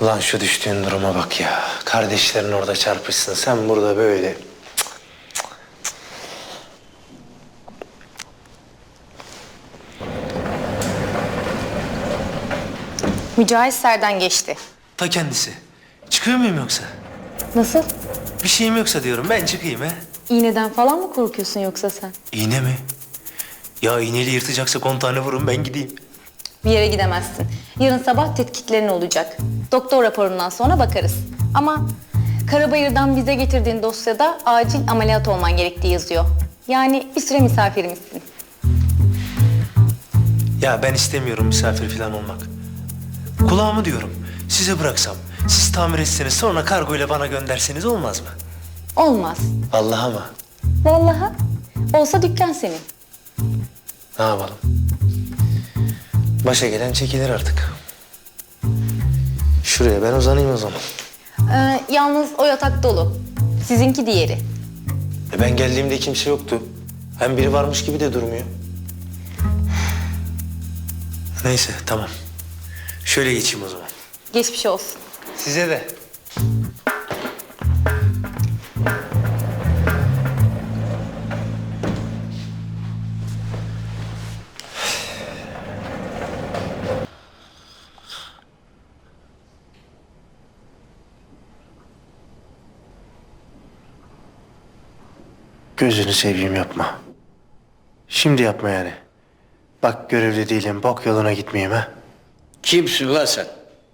Ulan şu düştüğün duruma bak ya. Kardeşlerin orada çarpışsın. Sen burada böyle. Mücahit Ser'den geçti. Ta kendisi. Çıkıyor muyum yoksa? Nasıl? Bir şeyim yoksa diyorum. Ben çıkayım ha. İğneden falan mı korkuyorsun yoksa sen? İğne mi? Ya iğneyle yırtacaksa 10 tane vurun ben gideyim. Bir yere gidemezsin. Yarın sabah tetkiklerin olacak. Doktor raporundan sonra bakarız. Ama Karabayır'dan bize getirdiğin dosyada acil ameliyat olman gerektiği yazıyor. Yani bir süre misafirimizsin. Ya ben istemiyorum misafir falan olmak. Kulağımı diyorum. Size bıraksam, siz tamir etseniz sonra kargo ile bana gönderseniz olmaz mı? Olmaz. Vallahi mı? Vallahi. Olsa dükkan senin. Ne yapalım? Başa gelen çekilir artık. Şuraya ben uzanayım o zaman. Yalnız o yatak dolu. Sizinki diğeri. Ben geldiğimde kimse yoktu. Hem biri varmış gibi de durmuyor. Neyse tamam. Şöyle geçeyim o zaman. Geçmiş olsun. Size de. Gözünü seveyim yapma. Şimdi yapma yani. Bak görevli değilim, bok yoluna gitmeyeyim ha. Kimsin lan sen?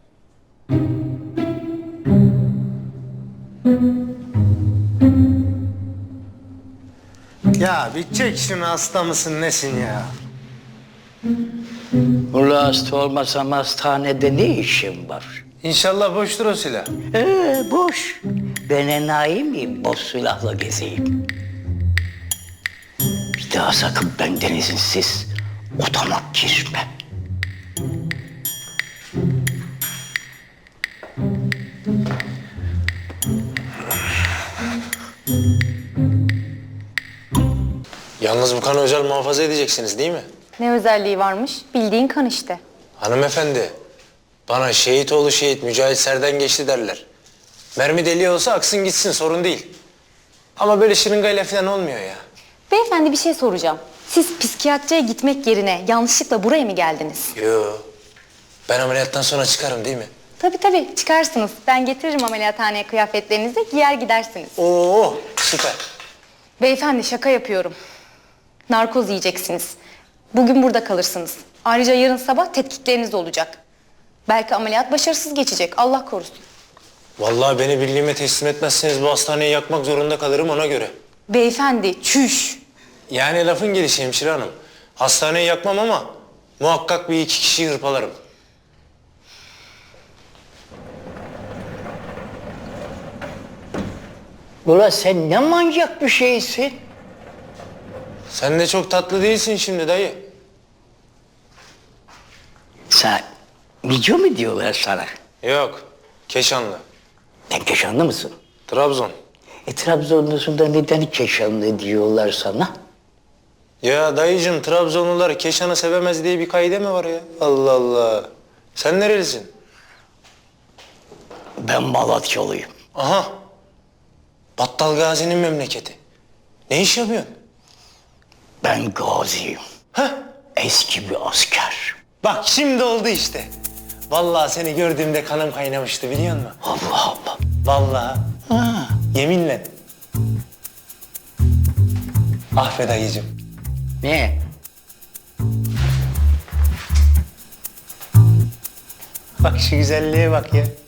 Ya bir çek şunu, hasta mısın nesin ya? Ula hasta olmasam hastanede ne işim var? İnşallah boştur o silah. Boş. Ben enayi miyim boş silahla gezeyim? Bir daha sakın benden izinsiz odama girme. Yalnız bu kanı özel muhafaza edeceksiniz değil mi? Ne özelliği varmış? Bildiğin kan işte. Hanımefendi, bana Şehitoğlu şehit Mücahit Ser'den geçti derler. Mermi deliği olsa aksın gitsin, sorun değil. Ama böyle şırıngayla falan olmuyor ya. Beyefendi bir şey soracağım. Siz psikiyatriye gitmek yerine yanlışlıkla buraya mı geldiniz? Yo, ben ameliyattan sonra çıkarım değil mi? Tabii çıkarsınız. Ben getiririm ameliyathaneye kıyafetlerinizi, giyer gidersiniz. Oo, süper. Beyefendi şaka yapıyorum. Narkoz yiyeceksiniz. Bugün burada kalırsınız. Ayrıca yarın sabah tetkikleriniz olacak. Belki ameliyat başarısız geçecek. Allah korusun. Vallahi beni birliğime teslim etmezseniz bu hastaneyi yakmak zorunda kalırım ona göre. Beyefendi çüş. Yani lafın gelişi hemşire hanım. Hastaneyi yakmam ama muhakkak bir iki kişiyi hırpalarım. Ula sen ne manyak bir şeysin? Sen de çok tatlı değilsin şimdi dayı. Sen video mu diyorlar sana? Yok, Keşanlı. Sen Keşanlı mısın? Trabzon. Trabzonlusun da neden Keşanlı diyorlar sana? Ya dayıcım, Trabzonlular Keşan'ı sevemez diye bir kaide mi var ya? Allah Allah. Sen nerelisin? Ben Malatyalıyım. Aha. Battal Gazi'nin memleketi. Ne iş yapıyorsun? Ben gaziyim. Heh. Eski bir asker. Bak şimdi oldu işte. Vallahi seni gördüğümde kanım kaynamıştı biliyor musun? Allah Allah. Vallahi. Ha. Yeminle. Ah be dayıcım. Ne? Bak şu güzelliğe bak ya.